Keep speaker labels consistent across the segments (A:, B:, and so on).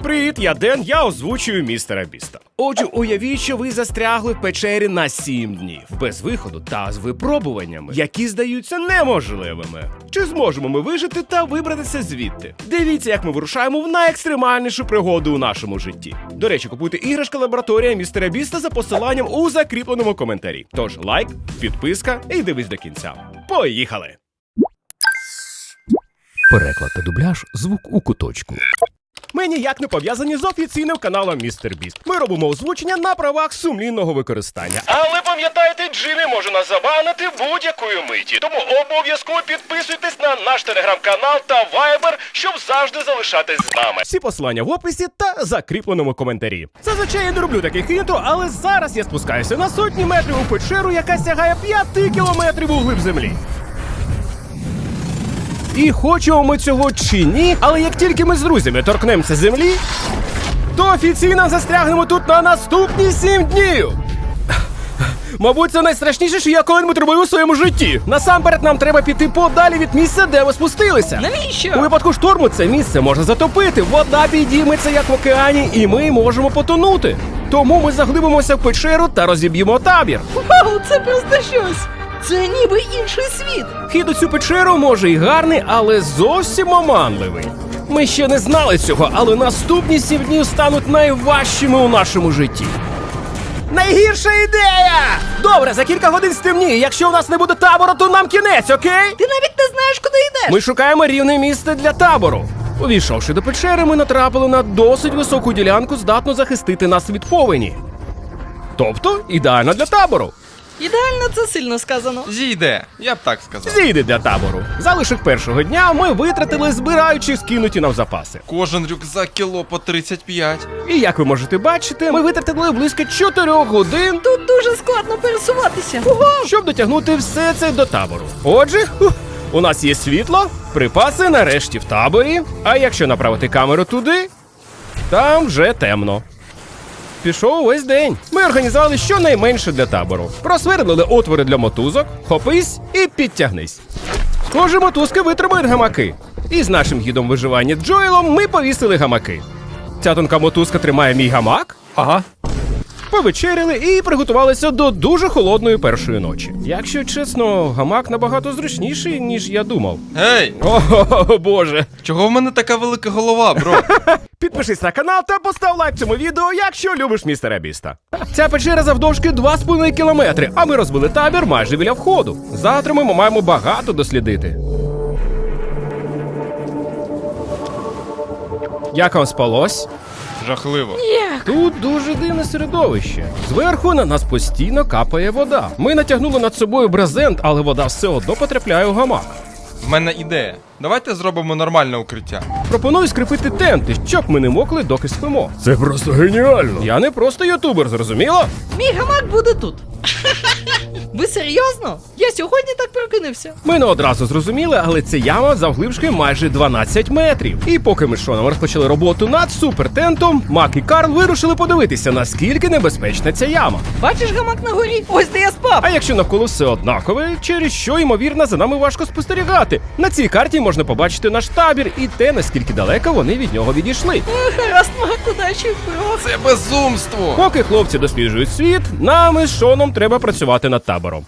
A: Привіт, я Ден, я озвучую містера Біста. Отже, уявіть, що ви застрягли в печері на 7 днів, без виходу та з випробуваннями, які здаються неможливими. Чи зможемо ми вижити та вибратися звідти? Дивіться, як ми вирушаємо в найекстремальнішу пригоду у нашому житті. До речі, купуйте іграшка лабораторія містера Біста за посиланням у закріпленому коментарі. Тож лайк, підписка і дивись до кінця. Поїхали!
B: Переклад та дубляж «Звук у куточку».
A: Ми ніяк не пов'язані з офіційним каналом Містер Біст. Ми робимо озвучення на правах сумлінного використання. Але пам'ятайте, Джиммі може нас забанити будь-якої миті. Тому обов'язково підписуйтесь на наш телеграм-канал та вайбер, щоб завжди залишатись з нами. Всі посилання в описі та закріпленому коментарі. Зазвичай я не роблю таких інтро, але зараз я спускаюся на сотні метрів у печеру, яка сягає 5 кілометрів у глиб землі. І хочемо ми цього чи ні, але як тільки ми з друзями торкнемося землі, то офіційно застрягнемо тут на наступні 7 днів. Мабуть, це найстрашніше, що я коли-небудь робив у своєму житті. Насамперед нам треба піти подалі від місця, де ви спустилися.
C: Навіщо?
A: У випадку шторму це місце можна затопити, вода підійметься, як в океані, і ми можемо потонути. Тому ми заглибимося в печеру та розіб'ємо табір.
C: Вау, це просто щось! Це ніби інший світ!
A: Хід у цю печеру може і гарний, але зовсім оманливий. Ми ще не знали цього, але наступні 7 днів стануть найважчими у нашому житті. Найгірша ідея! Добре, за кілька годин стемніє. Якщо у нас не буде табору, то нам кінець, окей?
C: Ти навіть не знаєш, куди йдеш!
A: Ми шукаємо рівне місце для табору. Увійшовши до печери, ми натрапили на досить високу ділянку, здатну захистити нас від повені. Тобто, ідеально для табору.
C: Ідеально, це сильно сказано.
D: Зійде, я б так сказав.
A: Зійде для табору. Залишок першого дня ми витратили, збираючи скинуті нам запаси.
D: Кожен рюкзак кіло по 35.
A: І як ви можете бачити, ми витратили близько 4 годин,
C: Тут дуже складно пересуватися.
A: щоб дотягнути все це до табору. Отже, у нас є світло, припаси нарешті в таборі, а якщо направити камеру туди, там вже темно. Пішов увесь день. Ми організували щонайменше для табору. Просвердлили отвори для мотузок, хопись і підтягнись. Схоже, мотузки витримують гамаки. І з нашим гідом виживання Джоелом ми повісили гамаки. Ця тонка мотузка тримає мій гамак.
B: Ага.
A: Повечеряли і приготувалися до дуже холодної першої ночі. Якщо чесно, гамак набагато зручніший, ніж я думав.
D: Гей,
A: О, боже.
D: чого в мене така велика голова, бро?
A: Підпишись на канал та постав лайк цьому відео, якщо любиш містера Біста. Ця печера завдовжки 2,5 кілометри, а ми розбили табір майже біля входу. Завтра ми маємо багато дослідити. Як вам спалось?
D: Жахливо.
A: Тут дуже дивне середовище. Зверху на нас постійно капає вода. Ми натягнули над собою брезент, але вода все одно потрапляє у гамак.
D: В мене ідея. Давайте зробимо нормальне укриття.
A: Пропоную скріпити тенти, щоб ми не мокли, доки спимо.
B: Це просто геніально.
A: Я не просто ютубер, зрозуміло?
C: Мій гамак буде тут. Ви серйозно? Я сьогодні так прокинувся.
A: Ми не одразу зрозуміли, але ця яма завглибшки майже 12 метрів. І поки ми з Шоном розпочали роботу над супертентом, Мак і Карл вирушили подивитися, наскільки небезпечна ця яма.
C: Бачиш гамак на горі? Ось де я спав.
A: А якщо навколо все однакове, через що, ймовірно, за нами важко спостерігати. На цій карті можна побачити наш табір і те, наскільки далеко вони від нього відійшли.
C: Гаразд, Мак, удачі, бро.
D: Це безумство!
A: Поки хлопці досліджують світ, нам із Шоном треба працювати над табором.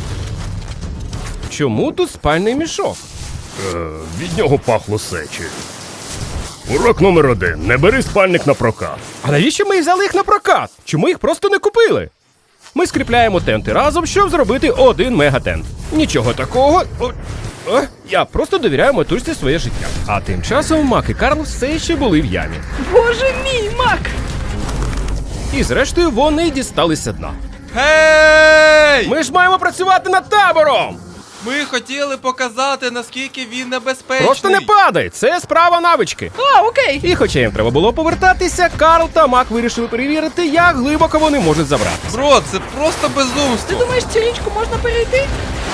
A: Чому тут спальний мішок?
B: Від нього пахло сечі. Урок номер 1. Не бери спальник на прокат.
A: А навіщо ми взяли їх на прокат? Чому їх просто не купили? Ми скріпляємо тенти разом, щоб зробити один мегатент. Нічого такого. Я просто довіряю мотузці своє життя. А тим часом Мак і Карл все ще були в ямі.
C: Боже мій, Мак!
A: І зрештою вони дісталися дна.
D: Гей!
A: Ми ж маємо працювати над табором!
D: Ми хотіли показати, наскільки він небезпечний.
A: Просто не падай, це справа навички.
C: А, окей.
A: І хоча їм треба було повертатися, Карл та Мак вирішили перевірити, як глибоко вони можуть забратися.
D: Бро, це просто
C: Ти
D: безумство.
C: думаєш, цю річку можна перейти?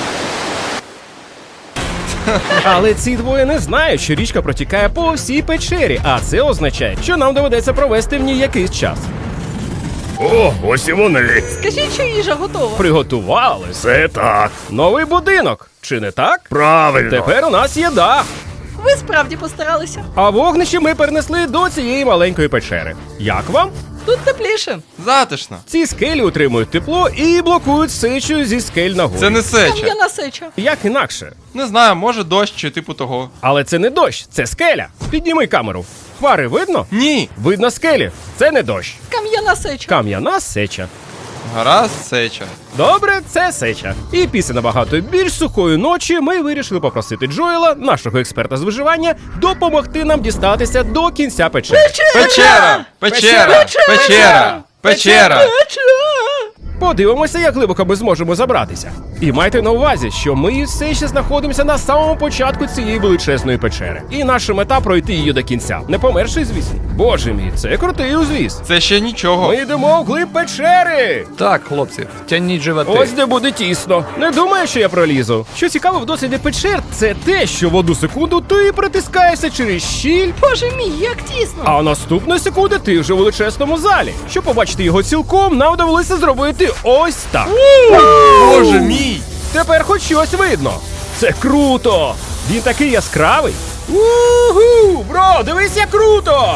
A: Але ці двоє не знають, що річка протікає по всій печері, а це означає, що нам доведеться провести в ній якийсь час.
B: О, ось і вони.
C: Скажіть, що їжа готова.
A: Приготували.
B: Це так.
A: Новий будинок, чи не так?
B: Правильно.
A: Тепер у нас є дах.
C: Ви справді постаралися.
A: А вогнище ми перенесли до цієї маленької печери. Як вам?
C: Тут тепліше.
D: Затишно.
A: Ці скелі утримують тепло і блокують сечу зі скель на горі.
D: Це не сеча.
C: Кам'яна сеча.
A: Як інакше?
D: Не знаю, може дощ чи типу того.
A: Але це не дощ, це скеля. Підніми камеру. Хмари видно?
D: Ні.
A: Видно скелі. Це не дощ.
C: Кам'яна сеча.
A: Кам'яна сеча.
D: Гаразд, сеча.
A: Добре, це сеча. І після набагато більш сухої ночі ми вирішили попросити Джоела, нашого експерта з виживання, допомогти нам дістатися до кінця печери.
D: Печера! Печера! Печера! Печера!
A: Подивимося, як глибоко ми зможемо забратися. І майте на увазі, що ми все ще знаходимося на самому початку цієї величезної печери. І наша мета пройти її до кінця. Не померши, звісно. Боже мій, це крутий узвіз.
D: Це ще нічого.
A: Ми йдемо вглиб печери.
E: Так, хлопці, тягніть животи.
A: Ось де буде тісно. Не думаю, що я пролізу. Що цікаво в досвіді печер, це те, що в одну секунду ти притискаєшся через щіль,
C: Боже мій, як тісно.
A: а наступної секунди ти вже в величезному залі. Щоб побачити його цілком, нам довелося зробити ось так.
D: Боже мій!
A: Тепер хоч щось видно. Це круто! Він такий яскравий. Уху! Бро, дивись, як круто!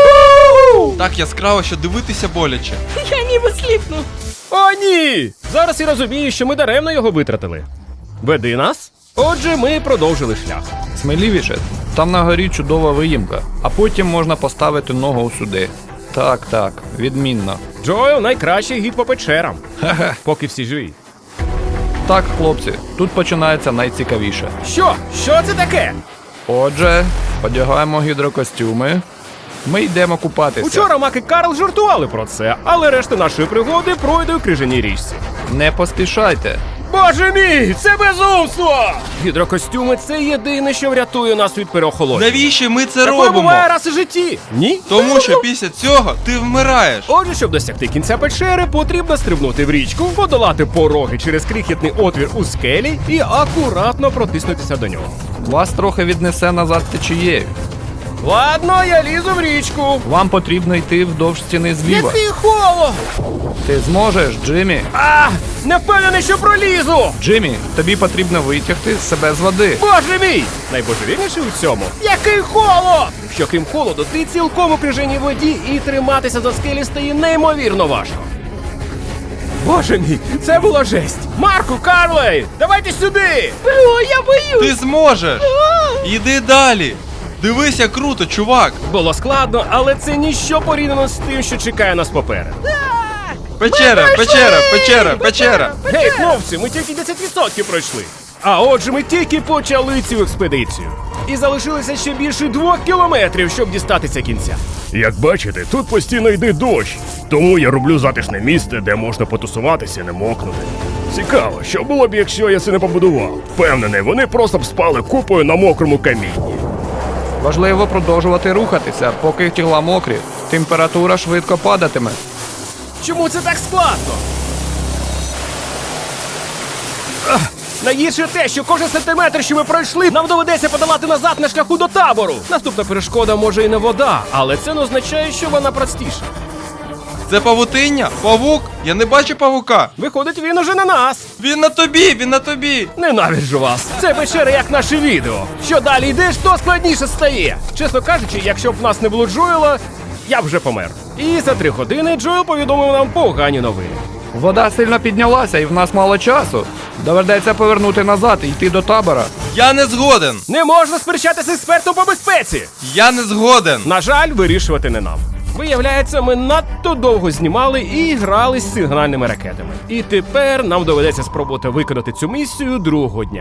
A: Уху!
D: Так яскраво, що дивитися боляче.
C: Я ніби сліпну.
A: О, ні! Зараз я розумію, що ми даремно його витратили. Веди нас. Отже, ми продовжили шлях.
E: Сміливіше, там на горі чудова виїмка, а потім можна поставити ногу сюди. Так, відмінно.
A: Джоел найкращий гід по печерам. Поки всі живі.
E: Так, хлопці, тут починається найцікавіше.
A: Що? Що це таке?
E: Отже, одягаємо гідрокостюми. Ми йдемо купатися.
A: Учора Мак і Карл жартували про це, але решта нашої пригоди пройде у крижаній річці.
E: Не поспішайте.
A: Боже мій, це безумство! Гідрокостюми – це єдине, що врятує нас від переохолодження.
D: Навіщо ми це
A: Такое
D: робимо?
A: буває раз у житті. Ні?
D: Тому що після цього ти вмираєш.
A: Отже, щоб досягти кінця печери, потрібно стрибнути в річку, подолати пороги через крихітний отвір у скелі і акуратно протиснутися до нього.
E: Вас трохи віднесе назад течією.
A: Ладно, я лізу в річку.
E: Вам потрібно йти вдовж стіни зліва.
A: Який холод!
E: Ти зможеш, Джиммі?
A: А, не впевнений, що пролізу!
E: Джиммі, тобі потрібно витягти себе з води.
A: Боже мій! Найбожевільніше у цьому. Який холод! Що крім холоду, ти цілком у крижаній воді і триматися за скелі стає неймовірно важко. Боже мій, це було жесть! Марку, Карлей, давайте сюди!
C: Бро, я боюсь.
D: Ти зможеш! Іди далі! Дивись, як круто, чувак!
A: Було складно, але це ніщо порівняно з тим, що чекає нас попереду.
D: Печера, печера, печера, печера!
A: Гей, хлопці, ми тільки 10% пройшли. А отже, ми тільки почали цю експедицію. І залишилося ще більше 2 кілометрів, щоб дістатися кінця.
B: Як бачите, тут постійно йде дощ, тому я роблю затишне місце, де можна потусуватися і не мокнути. Цікаво, що було б, якщо я це не побудував. Впевнений, вони просто б спали купою на мокрому камінні.
E: Важливо продовжувати рухатися, поки тіла мокрі. Температура швидко падатиме.
A: Чому це так складно? Найгірше те, що кожен сантиметр, що ми пройшли, нам доведеться подолати назад на шляху до табору. Наступна перешкода може і не вода, але це не означає, що вона простіша.
D: Це павутиння? Павук? Я не бачу павука!
A: Виходить, він уже на нас.
D: Він на тобі, він на тобі!
A: Ненавиджу вас. Це печера як наше відео. Що далі йдеш, то складніше стає. Чесно кажучи, якщо б в нас не було Джоела, я б вже помер. І за 3 години Джоел повідомив нам погані новини.
E: Вода сильно піднялася і в нас мало часу. Доведеться повернути назад і йти до табора.
D: Я не згоден!
A: Не можна сперечатися з експертом по безпеці.
D: Я не згоден!
A: На жаль, вирішувати не нам. Виявляється, ми надто довго знімали і грали з сигнальними ракетами. І тепер нам доведеться спробувати виконати цю місію другого дня.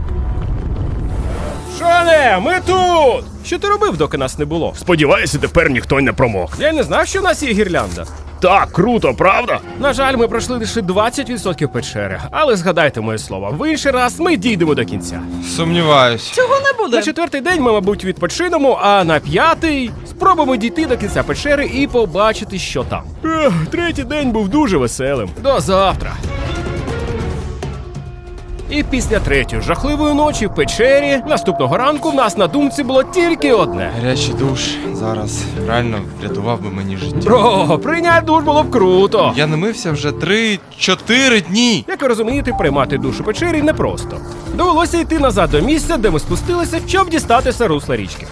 A: Шоне, ми тут! Що ти робив, доки нас не було?
B: Сподіваюся, тепер ніхто не промокне.
A: Я не знав, що в нас є гірлянда.
B: Так, круто, правда?
A: На жаль, ми пройшли лише 20% печери, але згадайте моє слово, в інший раз ми дійдемо до кінця.
D: Сумніваюсь.
C: Цього не буде.
A: На 4-й день ми, мабуть, відпочинемо, а на 5-й спробуємо дійти до кінця печери і побачити, що там. 3-й день був дуже веселим. До завтра. І після третьої жахливої ночі в печері наступного ранку в нас на думці було тільки одне.
D: Гарячий душ зараз реально врятував би мені життя.
A: Бро, прийняти душ було б круто.
D: Я не мився вже 3-4 дні.
A: Як ви розумієте, приймати душ у печері непросто. Довелося йти назад до місця, де ми спустилися, щоб дістатися русла річки.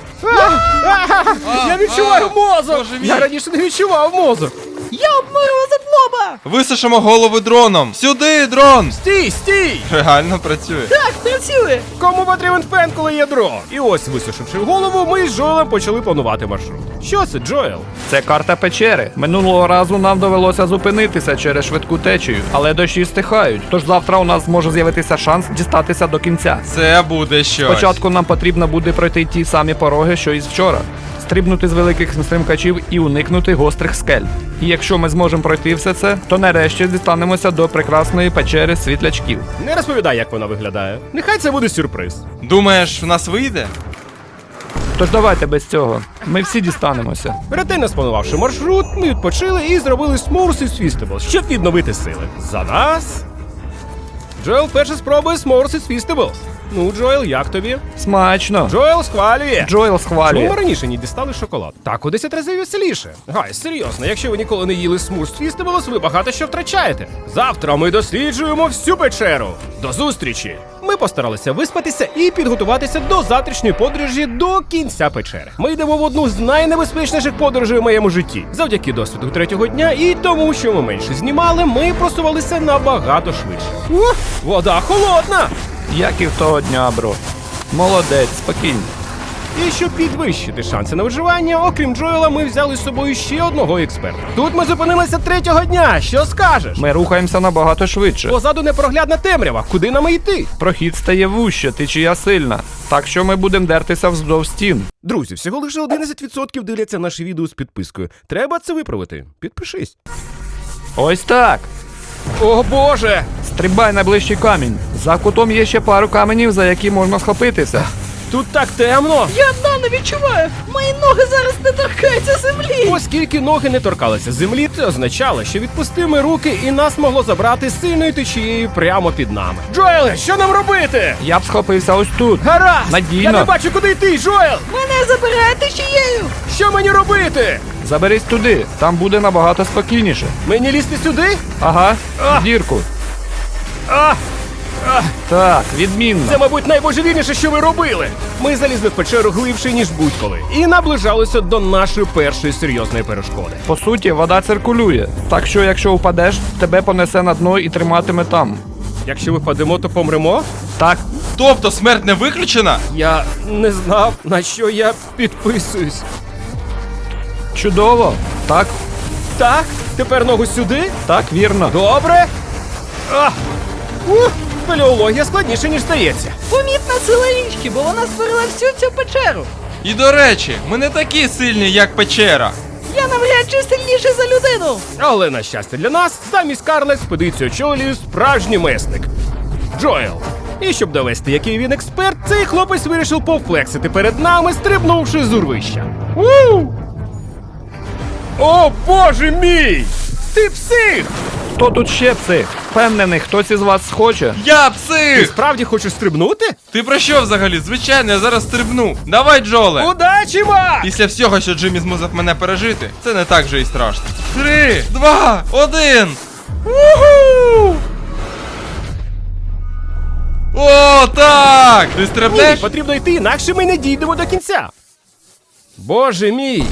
A: Я відчуваю мозок!
D: Боже мій.
A: Я раніше не відчував мозок.
C: Я обморозив лоба!
D: Висушимо голови дроном. Сюди, дрон!
A: Стій, стій!
D: Реально працює.
C: Так, працює!
A: Кому потрібен фен, коли є дрон? І ось, висушивши голову, ми з Джоелем почали планувати маршрут. Що це, Джоел?
E: Це карта печери. Минулого разу нам довелося зупинитися через швидку течію, але дощі стихають. Тож завтра у нас може з'явитися шанс дістатися до кінця.
D: Це буде щось.
E: Спочатку нам потрібно буде пройти ті самі пороги, що і вчора. Стрибнути з великих стримкачів і уникнути гострих скель. І якщо ми зможемо пройти все це, то нарешті дістанемося до прекрасної печери світлячків.
A: Не розповідай, як вона виглядає. Нехай це буде сюрприз.
D: Думаєш, в нас вийде?
E: Тож давайте без цього. Ми всі дістанемося.
A: Ретельно спланувавши маршрут, ми відпочили і зробили S'mores із Feastables, щоб відновити сили. За нас! Джоел перше спробує S'mores із Feastables. Ну, Джоел, як тобі?
E: Смачно.
A: Джоел схвалює!
E: Джоел
A: Чому
E: схвалює.
A: ми раніше не дістали шоколад? Так у 10 разів веселіше. Гай, серйозно, якщо ви ніколи не їли S'mores Feastables, ви багато що втрачаєте. Завтра ми досліджуємо всю печеру. До зустрічі! Ми постаралися виспатися і підготуватися до завтрашньої подорожі до кінця печери. Ми йдемо в одну з найнебезпечніших подорожей в моєму житті. Завдяки досвіду третього дня і тому, що ми менше знімали, ми просувалися набагато швидше. Вода холодна!
E: Як і в того дня, бро. Молодець, спокійно.
A: І щоб підвищити шанси на виживання, окрім Джоела, ми взяли з собою ще одного експерта. Тут ми зупинилися третього дня. Що скажеш?
E: Ми рухаємося набагато швидше.
A: Позаду непроглядна темрява. Куди нам йти?
E: Прохід стає вуще, течія сильна. Так що ми будемо дертися вздовж стін.
A: Друзі, всього лише 11% дивляться наші відео з підпискою. Треба це виправити. Підпишись.
E: Ось так.
A: О боже!
E: Стрибай на ближчий камінь. За кутом є ще пару каменів, за які можна схопитися.
A: Тут так темно!
C: Я дна не відчуваю! Мої ноги зараз не торкаються землі!
A: Оскільки ноги не торкалися землі, це означало, що відпусти ми руки і нас могло забрати сильною течією прямо під нами. Джоеле, що нам робити?
E: Я б схопився ось тут.
A: Гаразд!
E: Надійно.
A: Я не бачу, куди йти, Джоел!
C: Мене забирає течією!
A: Що мені робити?
E: Заберись туди, там буде набагато спокійніше.
A: Мені лізти сюди?
E: Ага,
A: А!
E: в дірку.
A: А!
E: Так, відмінно.
A: Це, мабуть, найбожевільніше, що ви робили. Ми залізли в печеру глибше, ніж будь-коли, і наближалися до нашої першої серйозної перешкоди.
E: По суті, вода циркулює. Так що, якщо впадеш, тебе понесе на дно і триматиме там.
A: Якщо випадемо, то помремо?
E: Так,
D: Тобто смерть не виключена?
A: Я не знав, на що я підписуюсь.
E: чудово. Так,
A: Так, тепер ногу сюди.
E: так, вірно.
A: Добре. А! Спелеологія складніше, ніж здається.
C: Помітна сила річки, бо вона створила всю цю печеру!
D: І до речі, ми не такі сильні, як печера.
C: Я навряд чи сильніший за людину!
A: Але, на щастя для нас, замість Карла експедицію очолює справжній месник – Джоел. І щоб довести, який він експерт, цей хлопець вирішив повфлексити перед нами, стрибнувши з урвища. О, боже мій! Ти псих!
E: Хто тут ще псих? Впевнений, хтось із вас схоче.
D: Я
A: Ти
D: псих!
A: справді хочеш стрибнути?
D: Ти про що взагалі? Звичайно, я зараз стрибну. Давай, Джоле!
A: Удачі, Мак!
D: Після всього, що Джиммі змусив мене пережити, це не так же і страшно. 3, 2, 1! Уху! О, так! Ти
A: Ні,
D: стрибнеш?
A: потрібно йти, інакше ми не дійдемо до кінця. Боже мій!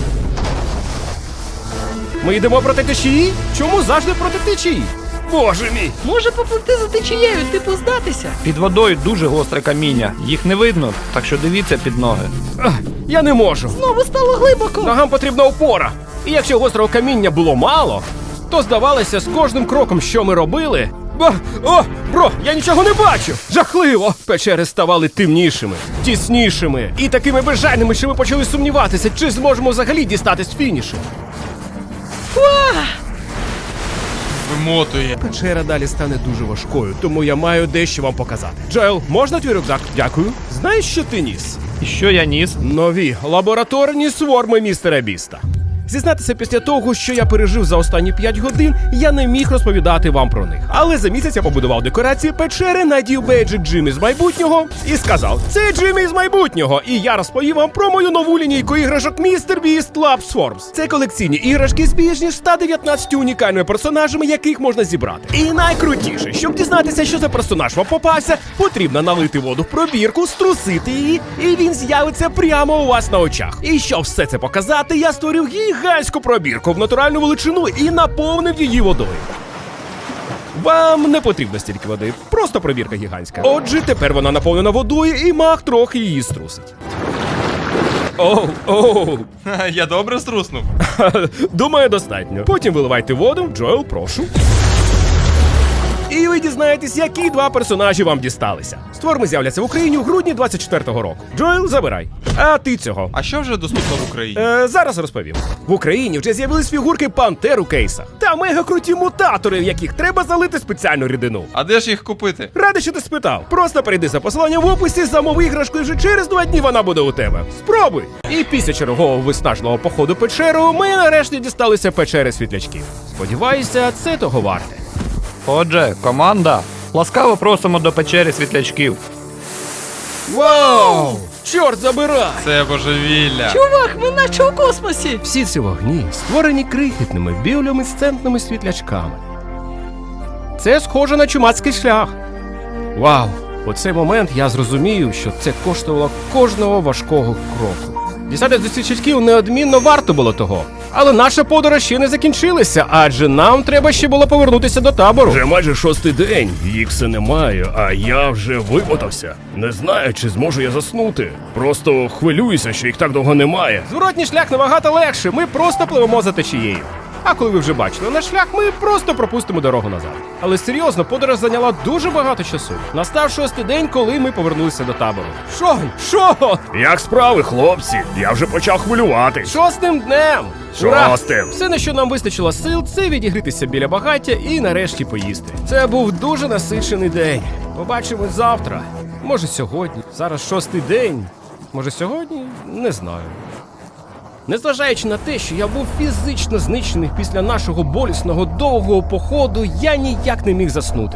A: Ми йдемо проти течії? Чому завжди проти течії? Боже мій!
C: Може попливти за течією, типу здатися?
E: Під водою дуже гостре каміння. Їх не видно, так що дивіться під ноги.
A: Я не можу.
C: Знову стало глибоко!
A: Ногам потрібна опора. І якщо гострого каміння було мало, то здавалося, з кожним кроком, що ми робили. Бро, я нічого не бачу! Жахливо! Печери ставали темнішими, тіснішими і такими безжальними, що ми почали сумніватися, чи зможемо взагалі дістатись фінішу.
D: Вимотує.
A: Печера далі стане дуже важкою, тому я маю дещо вам показати. Джоел, можна твій рюкзак? Дякую. Знаєш, що ти ніс?
E: І що я ніс?
A: Нові лабораторні сворми містера Біста. Зізнатися, після того, що я пережив за останні 5 годин, я не міг розповідати вам про них. Але за місяць я побудував декорації печери, надів бейджик Джиммі з майбутнього і сказав: це Джиммі з майбутнього. І я розповів вам про мою нову лінійку іграшок Mr. Beast Labs Forms. Це колекційні іграшки з більш ніж 119 унікальними персонажами, яких можна зібрати. І найкрутіше, щоб дізнатися, що за персонаж вам попався, потрібно налити воду в пробірку, струсити її, і він з'явиться прямо у вас на очах. І щоб все це показати, я створив гігантську пробірку в натуральну величину і наповнив її водою. Вам не потрібно стільки води, просто пробірка гігантська. Отже, тепер вона наповнена водою і маг трохи її струсить. Оу.
D: Ха, я добре струснув.
A: Думаю, достатньо. Потім виливайте воду. Джоел, прошу. І ви дізнаєтесь, які 2 персонажі вам дісталися. Створми з'являться в Україні у грудні 24-го року. Джоел, забирай. А ти цього.
D: А що вже доступно в Україні?
A: Зараз розповім. В Україні вже з'явились фігурки пантер у кейсах. Та мега-круті мутатори, в яких треба залити спеціальну рідину.
D: А де ж їх купити?
A: Радий, що ти спитав. Просто перейди за посиланням в описі, замови іграшку, і вже через 2 дні вона буде у тебе. Спробуй! І після чергового виснажного походу печеру ми нарешті дісталися печери світлячків. Сподіваюся, це того варте.
E: Отже, команда, ласкаво просимо до печери світлячків.
A: Вау! Чорт забирай!
D: Це божевілля.
C: Чувак, ми наче у космосі.
A: Всі ці вогні створені крихітними біолюмінесцентними світлячками. Це схоже на чумацький шлях. Вау! У цей момент я зрозумів, що це коштувало кожного важкого кроку. Дістатись до світлячків неодмінно варто було того. Але наша подорож ще не закінчилася, адже нам треба ще було повернутися до табору.
B: Вже майже 6-й день, їх все немає, а я вже вимотався. Не знаю, чи зможу я заснути. Просто хвилююся, що їх так довго немає.
A: Зворотній шлях набагато легше, ми просто пливемо за течією. А коли ви вже бачили наш шлях, ми просто пропустимо дорогу назад. Але серйозно, подорож зайняла дуже багато часу. Настав 6-й день, коли ми повернулися до табору. Шон!
B: Як справи, хлопці? Я вже почав хвилюватись.
A: 6-м днем! Ура!
B: 6-м.
A: Все, на що нам вистачило сил, це відігрітися біля багаття і нарешті поїсти. Це був дуже насичений день. Побачимось завтра. Може сьогодні. Зараз 6-й день. Може сьогодні? Не знаю. Незважаючи на те, що я був фізично знищений після нашого болісного довгого походу, я ніяк не міг заснути.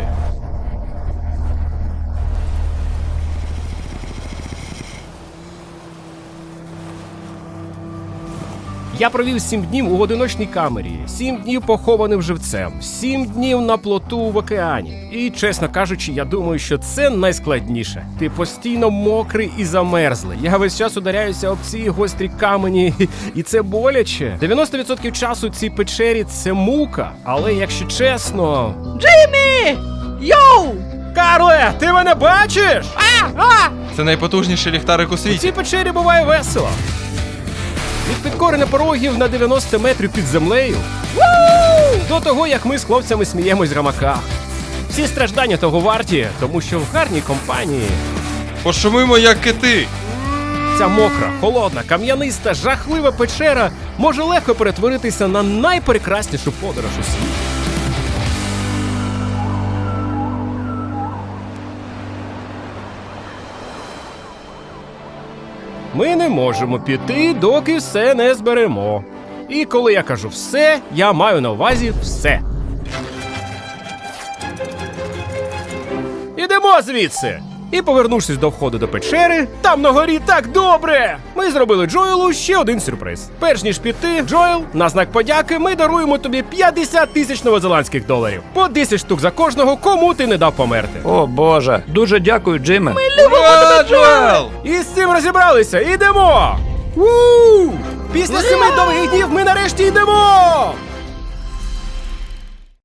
A: Я провів 7 днів у одиночній камері, 7 днів похованим живцем, 7 днів на плоту в океані. І, чесно кажучи, я думаю, що це найскладніше. Ти постійно мокрий і замерзлий. Я весь час ударяюся об ці гострі камені, і це боляче. 90% часу цій печері – це мука. Але, якщо чесно...
C: Джиммі! Йоу!
A: Карле, ти мене бачиш?
D: Це найпотужніший ліхтарик у
A: У
D: світі.
A: цій печері буває весело. Від підкорення порогів на 90 метрів під землею до того, як ми з хлопцями сміємось в гамаках. Всі страждання того варті, тому що в гарній компанії
D: Пошумимо, як кити.
A: ця мокра, холодна, кам'яниста, жахлива печера може легко перетворитися на найпрекраснішу подорож у світі. Ми не можемо піти, доки все не зберемо. І коли я кажу все, я маю на увазі все. Ідемо звідси! І повернувшись до входу до печери, там на горі так добре! Ми зробили Джоелу ще один сюрприз. Перш ніж піти, Джоел, на знак подяки, ми даруємо тобі 50 тисяч новозеландських доларів. По 10 штук за кожного, кому ти не дав померти.
E: О боже, дуже дякую, Джиме.
D: Ура, Джоел!
A: І з цим розібралися, ідемо! Після 7 довгих днів ми нарешті йдемо!